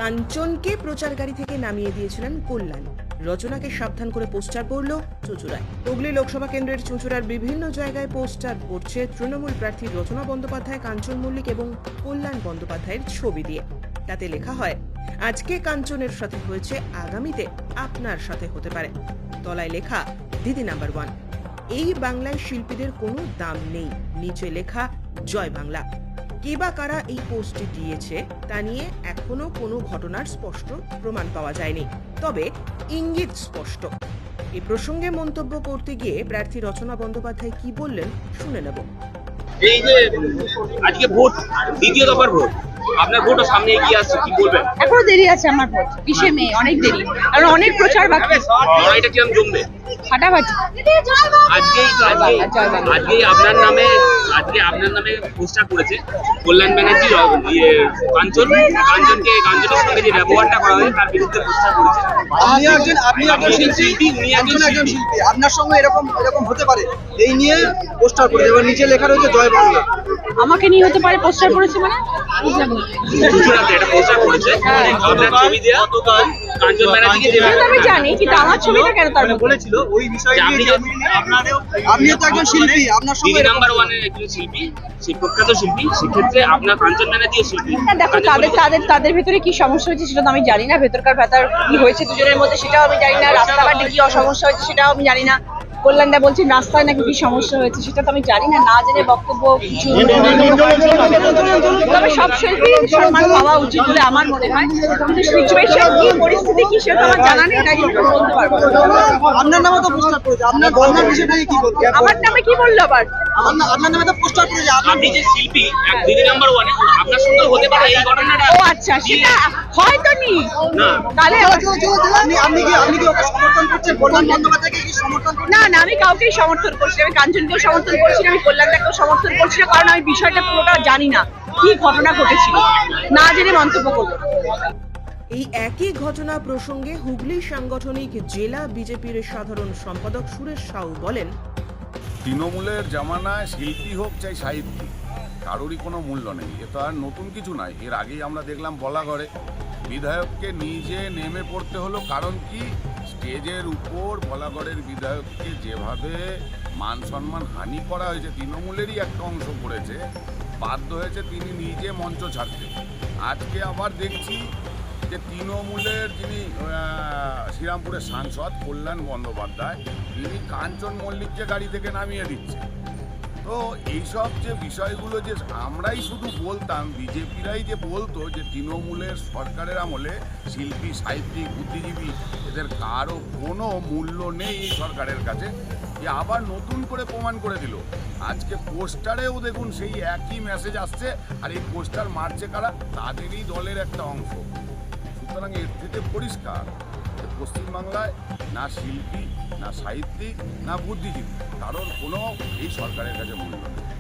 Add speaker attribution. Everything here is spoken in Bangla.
Speaker 1: কাঞ্চনকে প্রচার গাড়ি থেকে নামিয়ে দিয়েছিলেন কল্যাণ। রচনাকে সাবধান করে পোস্টার পড়ল চুঁচুড়ায়। হুগলি লোকসভা কেন্দ্রের চুঁচুড়ার বিভিন্ন জায়গায় পোস্টার পড়ছে তৃণমূল প্রার্থী রচনা বন্দ্যোপাধ্যায়, কাঞ্চন মল্লিক এবং কল্যাণ বন্দ্যোপাধ্যায়ের ছবি দিয়ে। তাতে লেখা হয়, আজকে কাঞ্চনের সাথে হয়েছে, আগামীতে আপনার সাথে হতে পারে। তলায় লেখা দিদি নাম্বার 1। এই বাংলায় শিল্পীদের কোনো দাম নেই। নিচে লেখা জয় বাংলা। কে বা কারা এই পোস্টটি দিয়েছে তা নিয়ে এখনো কোনো ঘটনার স্পষ্ট প্রমাণ পাওয়া যায়নি, তবে ইঙ্গিত স্পষ্ট। এই প্রসঙ্গে মন্তব্য করতে গিয়ে প্রার্থী রচনা বন্দ্যোপাধ্যায় কি বললেন শুনে নেব।
Speaker 2: এই যে আজকে ভোট, দ্বিতীয় দফার ভোট, আপনার ভোটও সামনে এগিয়ে আসছে, কি বলবেন?
Speaker 3: এখনো দেরি আছে আমার ভোট, 20শে মে, অনেক দেরি, কারণ অনেক প্রচার বাকি।
Speaker 2: লড়াইটা কিরম জমবে?
Speaker 3: ফাটাফাটি।
Speaker 2: আজকেই আপনার নামে পোস্টার করেছে কল্যাণ ব্যানার্জি, কাঞ্চনের সঙ্গে যে ব্যবহারটা করা হয়েছে তার বিরুদ্ধে পোস্টার করেছে।
Speaker 4: আপনি একজন শিল্পী, আপনার সঙ্গে এরকম হতে পারে এই নিয়ে পোস্টার করেছে, এবার নিচে লেখা রয়েছে জয় বাংলা।
Speaker 3: আমাকে নিয়ে হতে পারে পোস্টার করেছে মানে?
Speaker 2: চুঁচুড়াতে একটা পোস্টার করেছে, আপনার ছবি দেয়া কাঞ্চন ব্যানার্জিকে যে
Speaker 3: আমি জানি, কিন্তু আমার ছবিটা কেন তার মধ্যে?
Speaker 4: বলেছিল ওই বিষয়ে আপনি তো একজন শিল্পী, আপনার সঙ্গে
Speaker 2: দিদি নাম্বার 1 এর একজন শিল্পী, সেই প্রখ্যাত শিল্পী, সেক্ষেত্রে আপনার কাঞ্চন ব্যানার্জি শিল্পী।
Speaker 3: দেখো, তাদের ভিতরে কি সমস্যা হয়েছে সেটা তো আমি জানি না। ভেতরকার ভেতর কি হয়েছে দুজনের মধ্যে সেটাও আমি জানি না। রাস্তাঘাটে কি সমস্যা হয়েছে সেটাও আমি জানি না। কল্যাণদা বলছেন রাস্তায় নাকি কি সমস্যা হয়েছে, সেটা তো আমি জানি না। না জেনে বক্তব্য কিছু, তবে সব শিল্পী সম্মান পাওয়া উচিত বলে আমার মনে হয়। কিন্তু সিচুয়েশন কি, পরিস্থিতি কি, সেটা আমার জানা নেই, তাই জন্য বলতে পারবো না।
Speaker 4: আপনার নামে তো পোস্টার করেছে, আপনার বিষয়টা কি বলতে?
Speaker 3: আমার নামে কি বললো আবার?
Speaker 4: আপনার নামে তো পোস্টার করেছে,
Speaker 2: আপনি যে শিল্পী, দিদি নাম্বার 1 এ আপনার সঙ্গে হতে পারে এই ঘটনাটা।
Speaker 3: ও আচ্ছা, সেটা হয়তো নি। তাহলে
Speaker 4: আপনি কি ওকে সমর্থন করছেন? কল্যাণ বন্দ্যোপাধ্যায়কে কি সমর্থন করছেন?
Speaker 3: না, আমি কাউকেই সমর্থন করছি না। আমি কাঞ্চনকেও সমর্থন করছি না, আমি কল্যাণদাকেও সমর্থন করছি না, কারণ আমি বিষয়টা পুরোটা জানি না, কি ঘটনা ঘটেছিল, না জেনে মন্তব্য করবো।
Speaker 1: এই একই ঘটনা প্রসঙ্গে হুগলি সাংগঠনিক জেলা বিজেপির সাধারণ সম্পাদক সুরেশ সাউ বলেন,
Speaker 5: তৃণমূলের জামানায় শিল্পী হোক চাই সাহিত্যিক, কারোরই কোনো মূল্য নেই। এ তো আর নতুন কিছু নয়। এর আগেই আমরা দেখলাম বলাগড়ে বিধায়ককে নিজে নেমে পড়তে হলো। কারণ কি, স্টেজের উপর বলাগড়ের বিধায়ককে যেভাবে মান সম্মান হানি করা হয়েছে, তৃণমূলেরই একটা অংশ করেছে, বাধ্য হয়েছে তিনি নিজে মঞ্চ ছাড়তে। আজকে আবার দেখছি যে তৃণমূলের যিনি শ্রীরামপুরের সাংসদ কল্যাণ বন্দ্যোপাধ্যায়, তিনি কাঞ্চন মল্লিককে গাড়ি থেকে নামিয়ে দিচ্ছে। তো এইসব যে বিষয়গুলো যে আমরাই শুধু বলতাম, বিজেপিরাই যে বলতো যে তৃণমূলের সরকারের আমলে শিল্পী, সাহিত্যিক, বুদ্ধিজীবী এদের কারও কোনো মূল্য নেই এই সরকারের কাছে, এ আবার নতুন করে প্রমাণ করে দিল। আজকে পোস্টারেও দেখুন সেই একই মেসেজ আসছে, আর এই পোস্টার মারছে কারা? তাদেরই দলের একটা অংশ। সুতরাং এর থেকে পরিষ্কার পশ্চিমবাংলায় না শিল্পী, না সাহিত্যিক, না বুদ্ধিজীবী, কারোর কোনো এই সরকারের কাছে মূল্য নেই।